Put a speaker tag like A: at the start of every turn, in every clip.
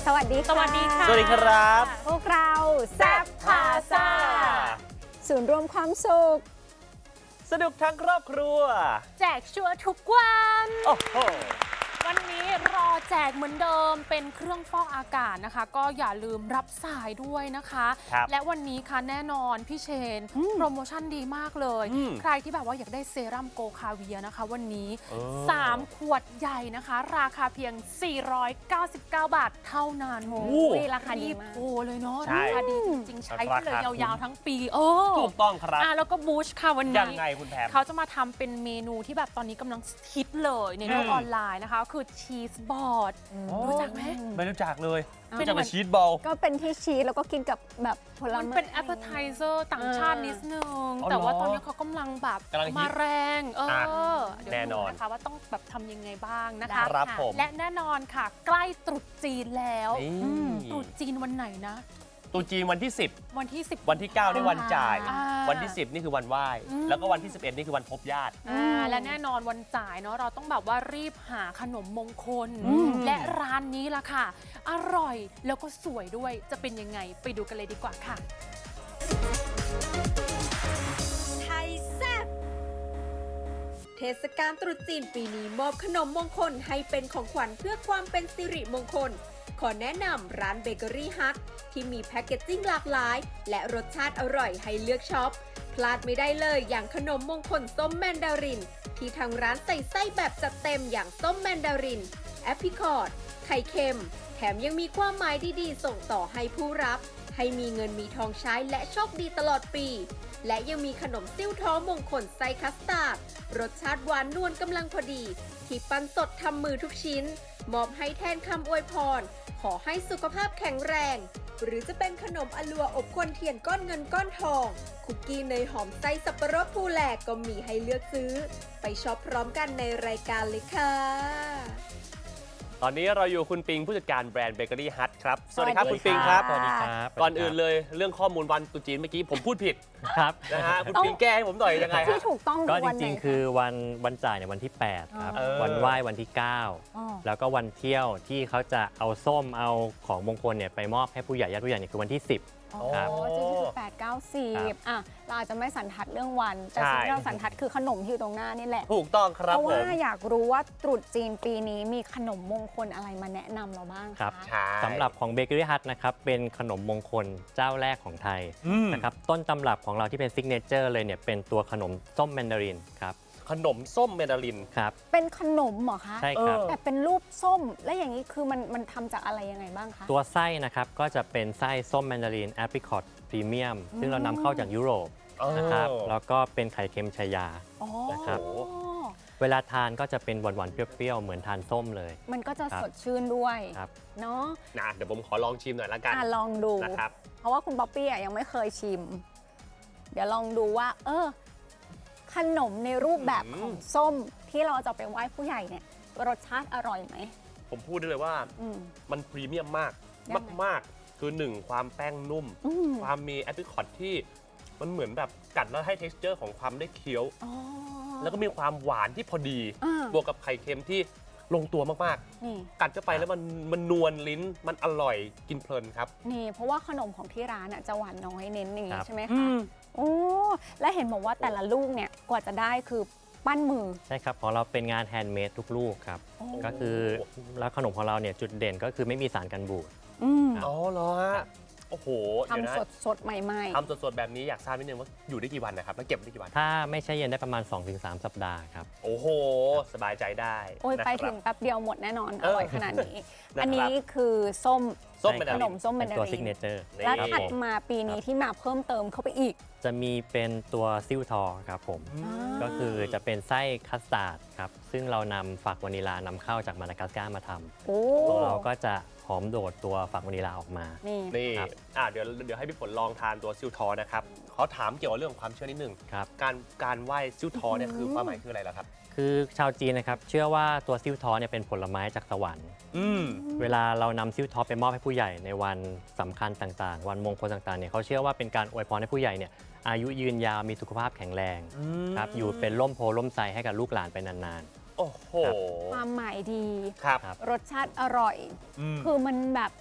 A: สวัสดีค่ะ
B: สวัสดีค่ะ
C: สวัสดีครับ
A: พวกเราแซ่บพาซ่าศูนย์รวมความสุข
C: สนุกทั้งครอบครัว
B: แจกชัวร์ทุกวัน
C: โอ้โห
B: วันนี้รอแจกเหมือนเดิมเป็นเครื่องฟอกอากาศนะคะ ก็อย่าลืมรับสายด้วยนะคะ
C: ครับ
B: และวันนี้ค่ะแน่นอนพี่เชนโปรโมชั่นดีมากเลย ใครที่แบบว่าอยากได้เซรั่มโกคาเวียนะคะ วันนี้ 3 ขวดใหญ่นะคะ ราคาเพียง 499 บาทเท่านั้น
A: โอ้ยราคาดีมาก
B: โอ้เลยเนาะ
C: ใช่
B: ราคาดีจริงๆ ใช้ไปเลย
C: ราคาคุ้ม
B: ยาวๆทั้งปี
C: ถูกต้องครับ
B: แล้วก็บูชค่ะวันนี้
C: ยังไงคุณแพม
B: เขาจะมาทำเป็นเมนูที่แบบตอนนี้กำลังฮิตเลยในโลกออนไลน์นะคะ คือชีสบอร์ดรู้จักไหม
C: ไม่รู้จักเลย
B: เป็น
C: รู้จัก
B: เหมื
C: แต่
B: อน
C: ชีสบอล
A: ก็เป็นที่ชีสแล้วก็กินกับแบบผล
B: มัน
A: ไม้
B: เป็น appetizer ต่างชาตินิดนึง
C: อ๋อเหรอ
B: แต่ว่าตอนนี้เขากำลังแบบ
C: กำลังฮิต
B: มาแรงเดี๋ยว
C: แน่น
B: ดู
C: อน
B: นะคะว่าต้องแบบทำยังไงบ้างนะคะ
C: ครับผม
B: และแน่นอนค่ะ ใกล้ตรุษจีนแล้ว
C: นี่
B: ตรุษจีนวันไหนนะ
C: ตรุษจีนวันที่
B: วันที่10
C: 10 วันที่ 9 นี่วันจ่าย
B: อ่า
C: วันที่ 10 นี่คือวันไหว้ แล้วก็วันที่ 11 นี่คือวันพบญาติ
B: และแน่นอนวันจ่ายเนาะเราต้องแบบว่ารีบหาขนมมงคล และร้านนี้ล่ะค่ะ อร่อยแล้วก็สวยด้วยจะเป็นยังไงไปดูกันเลยดีกว่าค่ะ
D: ไทยแซ่บเทศกาลตรุษจีนปีนี้มอบขนมมงคลให้เป็นของขวัญเพื่อความเป็นสิริมงคล ขอแนะนำร้านเบเกอรี่ฮัทที่มีแพ็กเกจจิ้งหลากหลาย และรสชาติอร่อยให้เลือกช็อป พลาดไม่ได้เลยอย่างขนมมงคลส้มแมนดาริน ที่ทางร้านใส่ไส้แบบจัดเต็มอย่างส้มแมนดาริน แอปริคอตไข่เค็ม แถมยังมีความหมายดีๆ ส่งต่อให้ผู้รับ ให้มีเงินมีทองใช้และโชคดีตลอดปี และยังมีขนมซิ่วท้อมงคลไส้คัสตาร์ดรสชาติหวานนวลกำลังพอดี ที่ปั้นสดทำมือทุกชิ้น มอบให้แทนคำอวยพร ขอให้สุขภาพแข็งแรง หรือจะเป็นขนมอลัวอบควนเทียนก้อนเงินก้อนทอง คุกกี้เนยหอมไส้สับปะรดภูแหลกก็มีให้เลือกซื้อ ไปช็อปพร้อมกันในรายการเลยค่ะ
C: ตอนนี้เราอยู่คุณปิงผู้จัดการแบรนด์เบเกอรี่ฮัทครับ สวัสดีครับคุณปิงครับ
A: สวัสดีครับ
C: ก่อนอื่นเลยเรื่องข้อมูลวันตรุษจีนเมื่อกี้ผมพูดผิด
E: ครับ
C: นะฮะคุณปิงแก้ให้ผมหน่อยยังไง
A: ที่
C: ฮะ
A: ถูกต้อง
E: ก็จ
A: วันไหน
E: ริงๆ คือวันจ่ายเนี่ยวันที่ 8 ครับ
C: อ๋อ
E: วันไหว้วันที่
A: อ๋อ
E: 9 แล้วก็วันเที่ยวที่เขาจะเอาส้มเอาของมงคลเนี่ยไปมอบให้ผู้ใหญ่ญาติผู้ใหญ่เนี่ยคือวันที่ 10
A: อ๋อ
E: ครับ
A: จริงๆคือ8 9
E: ครับ
A: 10อ่ะเราอาจจะไม่สันทัดเรื่องวัน แต่
C: ใช่
A: สิ่งที่เราสันทัดคือขนมที่อยู่ตรงหน้านี่แหละ
C: ถูกต้องค
A: เพ
C: รับ
A: ราะ
C: ผ
A: ว่าม อยากรู้ว่าตรุษจีนปีนี้มีขนมมงคลอะไรมาแนะนำเราบ้าง
E: ครับ
A: คะ
C: ใช่
E: สำหรับของเบเกอรี่ฮัทนะครับเป็นขนมมงคลเจ้าแรกของไทย
C: อืม
E: นะครับต้นตำรับของเราที่เป็นซิกเนเจอร์เลยเนี่ยเป็นตัวขนมส้มแมนดารินครับ
C: ขนมส้มเมดาลิน
E: ครับ
A: เป็นขนมเหรอคะ
E: ใช่ครับ
A: แต่เป็นรูปส้ม และอย่างนี้คือมันทำจากอะไรยังไงบ้างคะ
E: ตัวไส้นะครับก็จะเป็นไส้ส้มแมนดารินแอปริคอตพรีเมียมซึ่งเรานำเข้าจากยุโรปนะครับแล้วก็เป็นไข่เค็มชายา
A: อ๋อ
E: นะครับ เวลาทานก็จะเป็นหวานๆเปรี้ยวๆเหมือนทานส้มเลย
A: มันก็จะ
E: ครับ
A: สดชื่นด้วย
E: ครับ
A: เนาะ
C: นะเดี๋ยวผมขอลองชิมหน่อยละกัน
A: ลองดู
C: นะครับ
A: เพราะว่าคุณป๊อปปี้อ่ะยังไม่เคยชิม เดี๋ยวลองดูว่า ขนมในรูปแบบของส้มที่เราจะไปไหว้ผู้ใหญ่เนี่ยรสชาติอร่อยไหม
C: ผมพูดได้เลยว่า
A: อืม
C: มันพรีเมียมมาก
A: ยังไง
C: มากๆ คือ 1 ความแป้งนุ่ม
A: อืม
C: ความมีแอปริคอตที่มันเหมือนแบบกัดแล้วให้ texture ของความได้เคี้ยว
A: อ๋อ
C: แล้วก็มีความหวานที่พอดี
A: อ่า
C: บวกกับไข่เค็มที่ลงตัวมาก
A: นี่
C: ๆ กัดเข้าไปแล้วมันนวลลิ้น มันอร่อยกินเพลินครับ
A: นี่เพราะว่าขนมของที่ร้านอ่ะจะหวานน้อยเน้นอย่าง
E: ครั
A: นี้
E: บ
A: ใช่ไหมคะโอ้และเห็นบอกว่าแต่ละลูกเนี่ยกว่าจะได้คือปั้นมือ
E: ใช่ครับของเราเป็นงานแฮนด์เมดทุกลูกครับ
A: โอ้
E: ก็คือแล้วขนมของเราเนี่ยจุดเด่นก็คือไม่มีสารกันบูด
A: อืม
E: ครับ
C: อ๋อเหรอฮะ
E: ครับ
C: โอ้โห เดี๋ยวนะ
A: ทำสดๆ ใหม่
C: ทำสดๆ แบบนี้อยากทราบนิดนึงว่าอยู่ได้กี่วันนะครับ แล้วเก็บได้กี่วัน
E: ถ้าไม่ใช่เย็นได้ประมาณ 2-3 สัปดาห์ครับ
C: โอ้โห สบายใจได้
A: ๆ โอ้ย
C: นะ
A: ไป
C: ครั
A: ถึ
C: บ
A: งแป๊บเดียวหมดแน่นอน อร่อยขนาดนี้
C: นะครับ
A: อันนี้คือส้ม
C: ส้ม
E: ใช่
C: เม
E: ค
C: ดา
A: ข
C: ลิ
A: น
C: น
A: มส้มแม
E: เป็น น
A: ดา
E: ตัว
A: ริ
E: ซิกเน
A: น
E: เจอร์
C: นี่
A: แล้วถัดมาปีนี้ที่มาเพิ่มเติมเข้าไปอีก
E: จะมีเป็นตัวซิลทอร์ครับผม ก็คือจะเป็นไส้คัสตาร์ดครับ ซึ่งเรานำฝักวานิลานำเข้าจากมาดากัสการ์มาท
A: โอ้
E: ำของเราก็จะหอมโดดตัวฝักวานิลาออกมา
A: นี่
C: นี่
E: ครับ
C: เดี๋ยวให้พี่ฝนลองทานตัวซิลทอร์นะครับเขาถามเกี่ยวกับเรื่องของความเชื่อนิดนึง
E: ครับ
C: การไหว้ซิลทอร์เนี่ยคือความหมายคืออะไรล่ะครับ
E: คือชาวจีนนะครับเชื่อว่าตัวซิลทอร์เนี่ยเป็นผลไม้จากสวรรค์
C: อืม
E: เวลาเรานำซิลทอร์ไปมอบให้ผู้ใหญ่ในวันสำคัญต่างๆ วันมงคลต่างๆเนี่ยเขาเชื่อว่าเป็นการอวยพรให้ผู้ใหญ่เนี่ยอายุยืนยาวมีสุขภาพแข็งแรงครับอยู่เป็นร่มโพล่มไทรให้กับลูกหลานไปนาน
C: โอ้โห
E: ครับ
A: ความหมายดี
C: ครับ
E: ครับ
A: รสชาติอร่อย
C: อืม
A: คือมันแบบ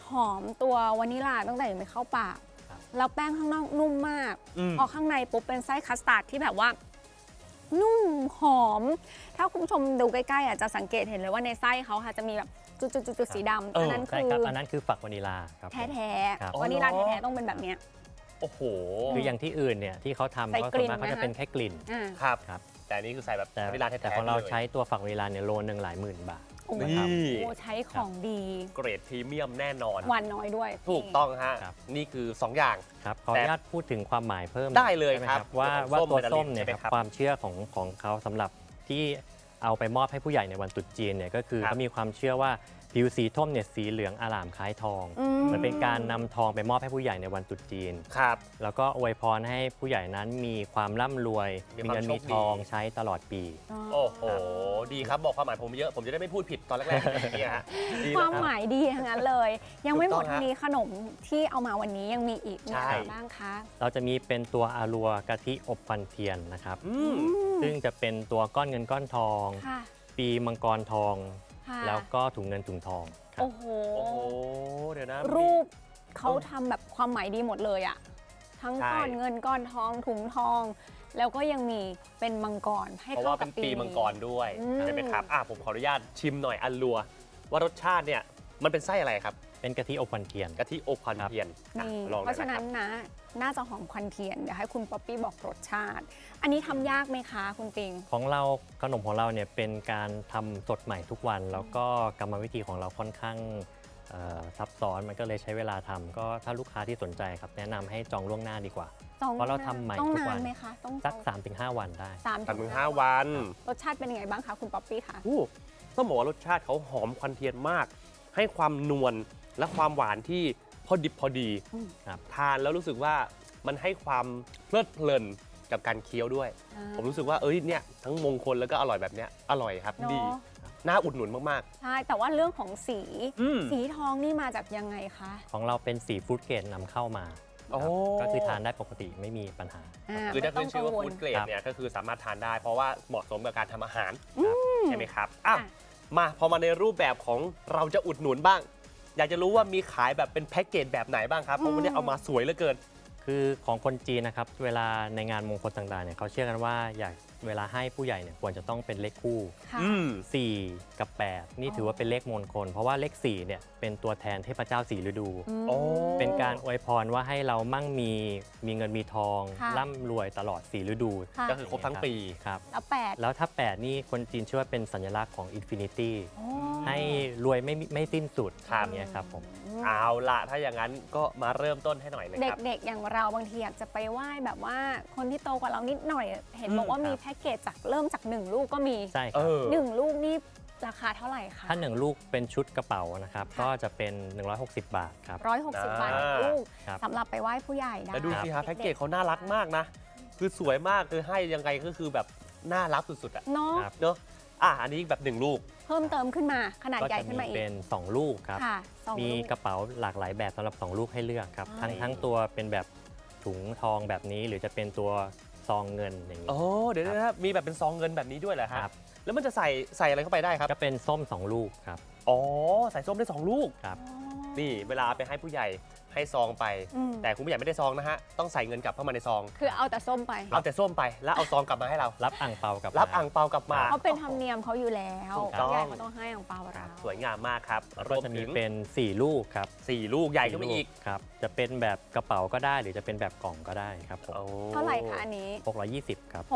A: อมตัววานิลลาตั้งแต่ยังไม่เข้าปาก
E: ครับ
A: แล้วแป้งข้างนอกนุ่มมาก
C: อืม
A: พอข้างในปุ๊บเป็นไส้คัสตาร์ดที่แบบว่า นุ่มหอม ถ้าคุณผู้ชมดูใกล้ๆอ่ะจะสังเกตเห็นเลยว่าในไส้เขาค่ะจะมีแบบจุดๆๆสีดำอันนั้น
E: ใช่
A: คือ
E: ครับอันนั้นคือฝักวานิลาครับผม
A: แท้
E: ครับ
A: ๆวานิลลาแท้ๆต้องเป็นแบบเนี้ย
C: โอ้โห
E: คืออย่างที่อื่นเนี่ยที่เขาทำ
A: ใส่
E: ก็
A: กลิ่
E: ส่วน นมากเขา
A: ไหม
E: จะ
A: คะ
E: เป็นแค่กลิ่น
A: อ่า
C: ครับ
E: ครับ
C: แต่อันนี้คือใส่แบบ
E: แต่
C: วานิลลาแท้ๆ
E: แต่ของเรา
C: ลย
E: ใช้ตัวฝักวานิลาเนี่ยโลนึงหลายหมื่นบาท
A: โอ้โห
C: นี่
A: ใช้ของดี
C: เกรดพรีเมียมแน่นอน
A: หวานน้อยด้วย
C: ถูกต้องฮะ
E: ครับ
C: นี่คือ 2 อย่าง
E: ครับขออนุญาตพูดถึงความหมายเพิ่ม
C: ได้เลย
E: ใช่หม
C: ครับ
E: ว่า
C: เรื่องของ
E: ตัว
C: ส้
E: ส้
C: ม
E: มเนี่ย
C: ใช่ไหม
E: ค
C: ครั
E: รับบ ความเชื่อของเขาสำหรับที่เอาไปมอบให้ผู้ใหญ่ในวันตรุษจีนเนี่ยก็คือ
C: ครับ
E: เขามีความเชื่อว่าผิวสีส้มเนี่ยสีเหลืองอร่ามคล้ายทอง
A: อืม
E: มันเป็นการนำทองไปมอบให้ผู้ใหญ่ในวันตรุษจีน
C: ครับ
E: แล้วก็อวยพรให้ผู้ใหญ่นั้นมีความร่ำรวย
C: มี
E: มี
C: ความ
E: เงิน
C: โชค
E: มีทอง
C: ดี
E: ใช้ตลอดปี
C: โอ้โห ดีครับ บอกความหมายผมเยอะ ผมจะได้ไม่พูดผิดตอนแรกๆเนี่ยฮะดี
A: ความ
C: นะ
A: หมายดีทั้งนั้นเลย ยังไม่หมด
C: ถูกต้อง
A: เท่านี้ขนมที่เอามาวันนี้ยังมีอีกมี
C: ใช่
A: อะไรบ้างคะ
E: เราจะมีเป็นตัวอารัวกะทิอบควันเทียนนะครับ
C: อืม
E: ซึ่งจะเป็นตัวก้อนเงินก้อนทอง
A: ค่ะ
E: ปีมังกรทอง
A: ค่ะ
E: แล้วก็ถุงเงินถุงทองครับ
A: โอ้โห
C: โอ้โห เดี๋ยวนะ
A: รูปเขาทำแบบความหมายดีหมดเลยอะทั้ง
C: ใช่
A: ก้อนเงินก้อนทองถุงทอง แล้วก็ยังมีเป็นมังกรให้
C: เพราะ
A: เข้า
C: ว่า
A: กั
C: เป็
A: บ
C: น
A: ปี
C: ปีมังกรด้วย
A: อืม
C: ใช่ไหมครับผมขออนุญาตชิมหน่อยอันลัว ว่ารสชาติเนี่ยมันเป็นไส้อะไรครับ
E: เป็นกะทิอบควันเทียน
C: กะทิอบควันเทียนอ่ะ
A: นี่
C: ลอง
A: เพราะฉะนั้น
C: คบ
A: นะน่าจะหอมควันเทียนเดี๋ยวให้คุณป๊อปปี้บอกรสชาติ อันนี้ทำยากไหมคะคุณปิง
E: ของเราขนมของเราเนี่ยเป็นการทำสดใหม่ทุกวัน แล้วก็กรรมวิธีของเราค่อนข้างซับซ้อนมันก็เลยใช้เวลาทำก็ถ้าลูกค้าที่สนใจครับแนะนำให้จองล่วงหน้าดีกว่า เพราะเราทำใหม่
A: ต้อง
E: ทุก
A: นา
E: วัน
A: นไหมคะต้อง
E: สัก 3-5 วันได้
A: สาม
C: 3 ถึง 5 วัน
A: รสชาติเป็นยังไงบ้างคะคุณป๊อปปี้คะ
C: อู้ต้องบอกว่ารสชาติเขาหอมควันเทียนมาก ให้ความนวลและความหวานที่พอดิบพอดี
E: ครับ
C: ทานแล้วรู้สึกว่ามันให้ความเพลิดเพลินกับการเคี้ยวด้วย ผมรู้สึกว่าเนี่ยทั้งมงคลแล้วก็อร่อยแบบเนี้ยอร่อยครับ
A: เนอะ
C: ดี น่าอุดหนุนมาก
A: ใช่ แต่ว่าเรื่องของสี
C: อืม
A: สีทองนี่มาจากยังไงคะ
E: ของเราเป็นสีฟู้ดเกรดนำเข้ามา
C: โอ้
E: ครับก็คือทานได้ปกติไม่มีปัญหา
C: ๆ คือถ้าขึ้นชื่อว่าฟู้ดเกรด
E: ครับ
C: เนี่ยก็คือสามารถทานได้ เพราะว่าเหมาะสมกับการทำอาหาร
E: ครับ
C: ใช่ไหมครับ
A: ค่ะ
C: มาพอมาในรูปแบบของเราจะอุดหนุนบ้าง อยากจะรู้ว่ามีขายแบบเป็นแพ็กเกจแบบไหนบ้างครับ เพราะวันนี้เอามาสวยเหลือเกิน
E: คือของคนจีนนะครับเวลาในงานมงคลต่างๆเนี่ยเขาเชื่อกันว่าเวลาให้ผู้ใหญ่เนี่ยควรจะต้องเป็นเลขคู่
A: ค่ะ
C: อืม
E: 4 กับ 8 นี่ถือว่าเป็นเลขมงคล เพราะว่าเลข4เนี่ยเป็นตัวแทนเทพเจ้า4ฤดู
A: ม
C: โอ้
E: เป็นการอวยพรว่าให้เรามั่งมีเงินมีทอง
A: ค่ะ
E: ร่ำรวยตลอด4ฤดู
A: ค่ะ
C: ก็คือครบทั้งปี
E: ครับ
A: แล้วแปด
E: แล้วถ้า 8 นี่คนจีนเชื่อว่าเป็นสัญลักษณ์ของอินฟินิตี้
A: โอ้
E: ให้รวยไม่สิ้นสุด
C: ครับ
E: อย่างเงี้ยครับผม
C: เอาละถ้าอย่างนั้นก็มาเริ่มต้นให้หน่อยนะครับ
A: เด็กๆ อย่างเราบางทีอยากจะไปไหว้แบบว่าคนที่โตกว่าเรานิดหน่อย เห็น
C: อืม
A: บอกว่ามี
E: ครับ
A: แพ็กเกจจากเริ่มจาก 1 ลูกก็มี
E: ใช่ค
C: เอ
E: รับ
C: อ
A: 1 ลูกนี่ราคาเท่าไหร่คะ
E: ถ้า 1 ลูกเป็นชุดกระเป๋านะครับ
A: ค่ะ
E: ก็จะเป็น 160 บาทครับ
A: 160 บาทต่อลูก
E: ครับ
A: สำหรับไปไหว้ผู้ใหญ่ได้
C: แล้วดูสิฮะแพ็กเกจเขาน่ารักมากนะ คือสวยมากคือให้ยังไงก็คือแบบน่ารักสุดๆอะ
A: เนาะ
E: ครับ
C: เนอะอันนี้แบบ1 ลูก
A: เพิ่มเติมขึ้นมาขนาด
E: ก็
A: ใหญ่
E: จะ
A: ขึ้น
E: มี
A: มาอีก
E: เป็น 2 ลูกครับ
A: ค่ะสอง
E: มี
A: ลูก
E: กระเป๋าหลากหลายแบบสำหรับ 2 ลูกให้เลือกครับ
A: อ๋อ
E: ทั้งตัวเป็นแบบถุงทองแบบนี้ หรือจะเป็นตัวซองเงินอย่างนี้
C: โอ้เดี๋ยวนะครับมีแบบเป็นซองเงินแบบนี้ด้วยเหรอ
E: ค
C: ฮะ
E: รับ
C: แล้วมันจะใส่อะไรเข้าไปได้ครับ
E: ก็เป็นส้ม 2 ลูกครับ
C: อ๋อ ใส่ส้มได้ 2 ลูก
E: ครับ
C: นี่เวลาไปให้ผู้ใหญ่ให้ซองไป
A: อืม
C: แต่คุณผู้ใหญ่ไม่ได้ซองนะฮะ ต้องใส่เงินกลับเข้ามาในซอง
A: คือเอาแต่ส้มไป
C: เอาแต่ส้มไปแล้วเอาซองกลับมาให้เรา
E: รับอ่างเปากลับ
C: รับ
E: มา
C: อ่างเปากลับมา
A: เขาเป็นธรรมเนียมเขาอยู่แล้ว
C: ถูกต้อง
A: ผู้ใหญ่เขาต้องให้อ่างเปาเรา
C: สวยงามมากครับ
E: แล้ว
C: ร
E: ก็
C: วม
E: จะมี
C: ถึง
E: เป็น 4 ลูกครับ
C: 4 ลูกใหญ่ขึ้นไปอีก
E: ครับ จะเป็นแบบกระเป๋าก็ได้หรือจะเป็นแบบกล่องก็ได้ครับผม
C: โอ้
A: เท่าไหร่คะอันนี้
E: 620 ครับ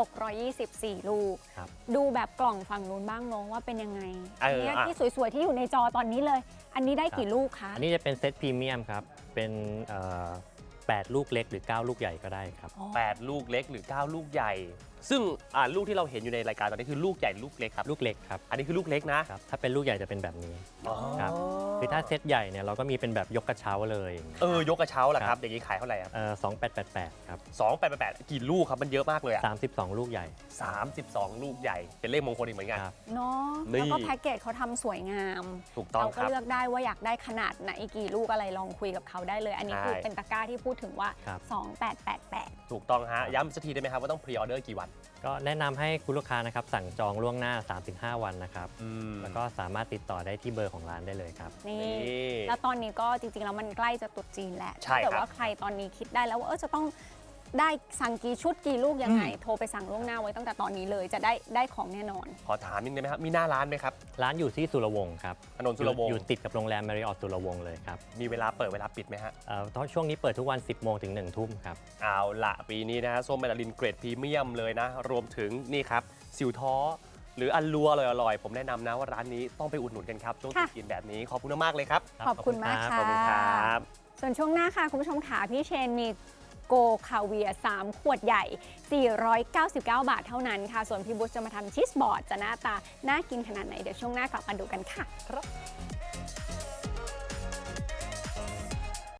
A: 624 ลูก
E: ครับ
A: ดูแบบกล่องฝั่งนู้นบ้างเน้องว่าเป็นยังไง
C: เออ
A: อันเนี้ย
C: อ่ะ
A: ที่สวยๆ ที่อยู่ในจอตอนนี้เลย อันนี้ได้กี่ลูกคะ
E: อันนี้จะเป็นเซตพรีเมียมครับ เป็น8 ลูกเล็กหรือ 9 ลูกใหญ่ก็ได้ครับ
A: อ๋อ
C: 8 ลูกเล็กหรือ 9 ลูกใหญ่ ซึ่งลูกที่เราเห็นอยู่ในรายการตอนนี้คือลูกใหญ่ลูกเล็กครับ
E: ลูกเล็กครับ
C: อันนี้คือลูกเล็กนะ
E: ครับ ถ้าเป็นลูกใหญ่จะเป็นแบบนี้
C: อ๋อ
E: ครับ คือถ้าเซตใหญ่เนี่ยเราก็มีเป็นแบบยกกระเช้าเลยอย่างเงี้ย
C: ยกกระเช้าล่ะครับ อย่างนี้ขายเท่าไหร่ครับ
E: 2888 ครับ
C: 288กี่ลูกครับ มันเยอะมากเลยอะ
E: 32 ลูกใหญ่
C: 32 ลูกใหญ่ เป็นเลขมงคลอีกเหมือนกัน
E: ครับ
A: เนาะ
C: นี่
A: แล้วก็แพ็กเกจเขาทำสวยงาม
C: ถูกต้อง
A: เรา
C: ค
A: ก็
C: รับ
A: เลือกได้ว่าอยากได้ขนาดไหนกี่ลูกอะไรลองคุยกับเขาได้เลย อันนี้
C: ใช่
A: คือเป็นตะกร้าที่พูดถึงว่า
E: ครับ
A: 2888
C: ถูกต้องฮะ ย้ำสักทีได้ไหมครับว่าต้องพรีออเดอร์กี่วัน
E: ก็แนะนำให้คุณลูกค้านะครับสั่งจองล่วงหน้า 3-5 วันนะครับ แล้วก็สามารถติดต่อได้ที่เบอร์ของร้านได้เลยครับ
A: นี่
C: นี่
A: แล้วตอนนี้ก็จริงๆแล้วมันใกล้จะตรุษจีนแล้ว
C: ใช่
A: ถ้าเกิด
C: ครับ
A: ว่าใครตอนนี้คิดได้แล้วว่าจะต้องได้สั่งกี่ชุดกี่ลูกยังไง โทรไปสั่งล่วงหน้าไว้ตั้งแต่ตอนนี้เลยจะได้ของแน่นอน
C: ขอถามนิดนึงได้ไหมครับ มีหน้าร้านไหมครับ
E: ร้านอยู่ที่สุรวงศ์ครับ
C: ถนนสุรวงศ์
E: อยู่ติดกับโรงแรม Marriott สุรวงศ์เลยครับ
C: มีเวลาเปิดเวลาปิดไหมฮะ
E: ช่วงนี้เปิดทุกวัน 10 โมงถึง 1 ทุ่มครับ
C: เอาละปีนี้นะฮะส้มแมนดารินเกรดพรีเมียมเลยนะ รวมถึงนี่ครับสิวท้อหรืออันลัวอร่อยๆ ผมแนะนำนะว่าร้านนี้ต้องไปอุดหนุนกันครับช่วงตรุษจีนแบบนี้ขอบคุณมากๆเลยครับ
A: ขอบคุณมากค่ะ
C: ขอบคุณครับ
A: ส่วนช่วงหน้าค่ะ คุณผู้ชมขาพี่เชนมีโกคาเวียร์3ขวดใหญ่ 499 บาทเท่านั้นค่ะ ส่วนพี่บุ๊ชจะมาทำชีสบอร์ดจะหน้าตาน่ากินขนาดไหน เดี๋ยวช่วงหน้ากลับมาดูกันค่ะ